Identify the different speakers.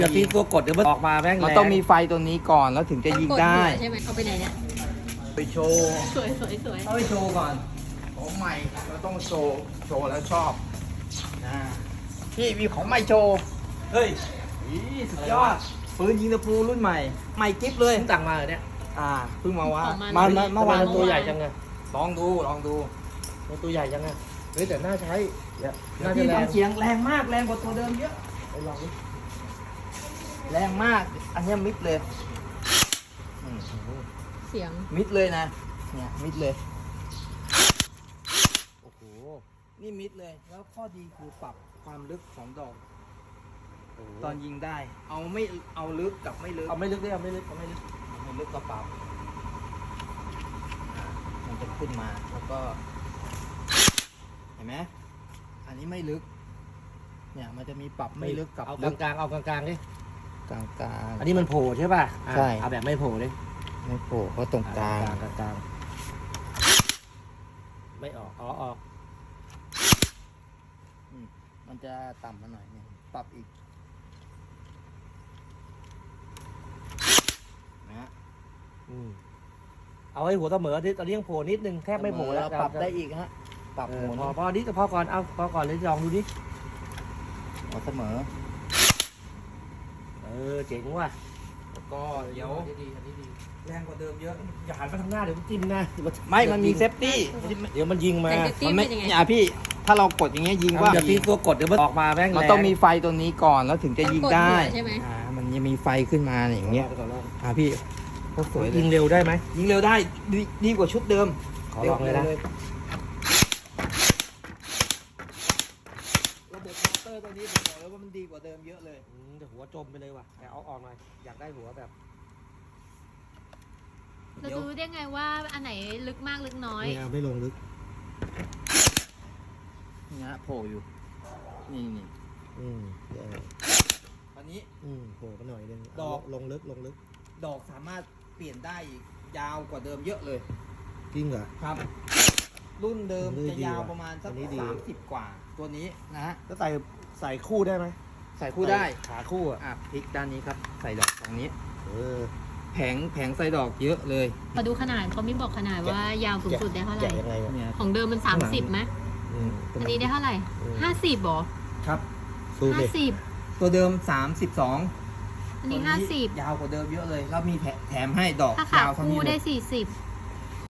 Speaker 1: จะตีตัวกดเดี๋ยวมันออกมาแม่ง
Speaker 2: มันต้องมีไฟตัวนี้ก่อนแล้วถึงจะยิงได้
Speaker 3: ใช่ไหมเอาไปไหนเนี่ย
Speaker 2: ไปโชว์
Speaker 3: สวยสวยสวย
Speaker 2: เอาไปโชว์ก่อนของใหม่เราต้องโชว์แล้วชอบนะพี่มีของใหม่โชว์
Speaker 1: เฮ้ย
Speaker 2: สุดยอดปืนยิงตะปูรุ่นใหม่ใหม่กิ๊บเลย
Speaker 1: เพิ่งสั่งมาเหรอเนี่ย
Speaker 2: เพิ่งมาว่า
Speaker 3: ของ
Speaker 2: มา
Speaker 3: มัน
Speaker 2: เมื่อวาน
Speaker 1: ตัวใหญ่จังไง
Speaker 2: ลองดู
Speaker 1: ตัวใหญ่จังไงเฮ้ยแต่น่าใช้น่าจะ
Speaker 2: พี่
Speaker 1: แรง
Speaker 2: ทำเสียงแรงมากแรงกว่าตัวเดิมเยอะ
Speaker 1: ไปลองดิ
Speaker 2: แรงมาก อันเนี้ยมิดเลย
Speaker 3: เสียง
Speaker 2: มิดเลยนะเนี่ยมิดเลย
Speaker 1: โอ้โห
Speaker 2: นี่มิดเลยแล้วข้อดีคือปรับความลึกของดอก
Speaker 1: ต
Speaker 2: ต
Speaker 1: อ
Speaker 2: อน นยิงได้เอาไม่เอาลึกกับไม่ลึก
Speaker 1: เอาไม่ลึกได้เอาไม่ลึกเอาไม่ลึก
Speaker 2: ไม่ลึกก็ปรับมันจะขึ้นมาแล้วก็ เห็นไหมอันนี้ไม่ลึก เนี่ยมันจะมีปรับไม่ลึกกับ
Speaker 1: เอา
Speaker 2: ลึก
Speaker 1: กลางๆเอากลางๆดิ
Speaker 2: กลางกลาง
Speaker 1: อันนี้มันโผล่ใช่ป่ะ
Speaker 2: ใช่
Speaker 1: เอาแบบไม่โผล่ดิ
Speaker 2: ไม่โผล่เพราะตรงกลาง
Speaker 1: กลางไม่ออกออก
Speaker 2: มันจะต่ำมาหน่อยเนี่ยปรับอีกนะฮะ
Speaker 1: เอาให้หัวเสมอที่ตอนนี้ยังโผล่นิดนึงแทบไม่โผล่แล้ว
Speaker 2: ปรับได้อีกฮะปรับ
Speaker 1: เอ
Speaker 2: ห
Speaker 1: อ
Speaker 2: มุน
Speaker 1: พอนิดพอก่อนเอาพอก่อนเลยลองดูดิ
Speaker 2: หัวเสมอ
Speaker 1: เจ๋งว่ะ
Speaker 2: แล้วก็เดี๋ยว
Speaker 1: อันนี้ดีอันนี้ดี
Speaker 2: แรงกว่าเดิมเยอะ
Speaker 1: อย่าหันมาทางหน้าเดี๋ยวมันจิ้มนะ
Speaker 2: ไม่มันมีเซฟตี้
Speaker 1: เดี๋ยวมันยิงมา
Speaker 3: แต่เซฟตี้
Speaker 2: มัน
Speaker 3: เป็
Speaker 2: ไม่
Speaker 3: นยังไง
Speaker 2: เนี่ยพี่ถ้าเรากดอย่างเงี้ยยิงว่า
Speaker 1: อย่าตีตัวกดเดี๋ยวมันออกมาแม่ง
Speaker 2: มันต้องมีไฟตัวนี้ก่อนแล้วถึงจะยิงได้
Speaker 3: ใช่ไหม
Speaker 2: มันจะมีไฟขึ้นมาอย่างเงี้ยพี่โคตรสวยเล
Speaker 1: ยิ
Speaker 2: ย
Speaker 1: งเร็วได้ไหม
Speaker 2: ยิงเร็วได้ดีกว่าชุดเดิม
Speaker 1: ขอลองเลยนะ
Speaker 2: ระบบมอเตอร์ตัวนี้ผมบอกเลยว่ามันดีกว่าเดิมเยอะเลย
Speaker 1: แต่หัวจมไปเลยว่ะแต่เอาออกหน่อยอยากได้หัวแบบ
Speaker 3: เราจะรู้ได้ไงว่าอันไหนลึกมากลึกน้อย
Speaker 1: ไม่ลงลึก
Speaker 2: นี่ฮะโผล่อยู่ นี่ ตอนนี้
Speaker 1: โผล่กันหน่อยนึง
Speaker 2: ดอก
Speaker 1: ลงลึก
Speaker 2: ดอกสามารถเปลี่ยนได้อีกยาวกว่าเดิมเยอะเลย
Speaker 1: จริงเหรอ
Speaker 2: ครับ รุ่นเดิม
Speaker 1: อันนี้
Speaker 2: จะ
Speaker 1: ดี
Speaker 2: ยาว
Speaker 1: ว่ะ
Speaker 2: ประมาณสัก
Speaker 1: อันนี้ดี
Speaker 2: 30 กว่า ตัวนี้นะฮะ
Speaker 1: แล้วใส่คู่ได้ไหม
Speaker 2: ใส่คู่ได้
Speaker 1: ขาคู่อ่ะ
Speaker 2: พลิกด้านนี้ครับ ใส่ดอกตรงนี้
Speaker 1: เออ
Speaker 2: แผงใส่ดอกเยอะเลย
Speaker 3: มาดูขนาดเขาไม่บอกขนาดว่ายาวสูงสุดได้เท่าไหร่
Speaker 1: แกะยังไงอะ
Speaker 2: เนี่ย
Speaker 3: ของเดิมมัน30ไหมอันนี้ได้เท่าไหร่50หรอ
Speaker 2: ครับ
Speaker 1: สู้ดิ
Speaker 3: 50
Speaker 2: ตัวเดิม 32
Speaker 3: อันนี้
Speaker 2: ตัว
Speaker 3: 50
Speaker 2: ยาวกว่าเดิมเยอะเลย แล้วมีแถมให้ดอก
Speaker 3: ถ้าขาย
Speaker 2: าวเท่า
Speaker 3: คู่
Speaker 2: นี้เล
Speaker 3: ได้
Speaker 2: ย
Speaker 3: 40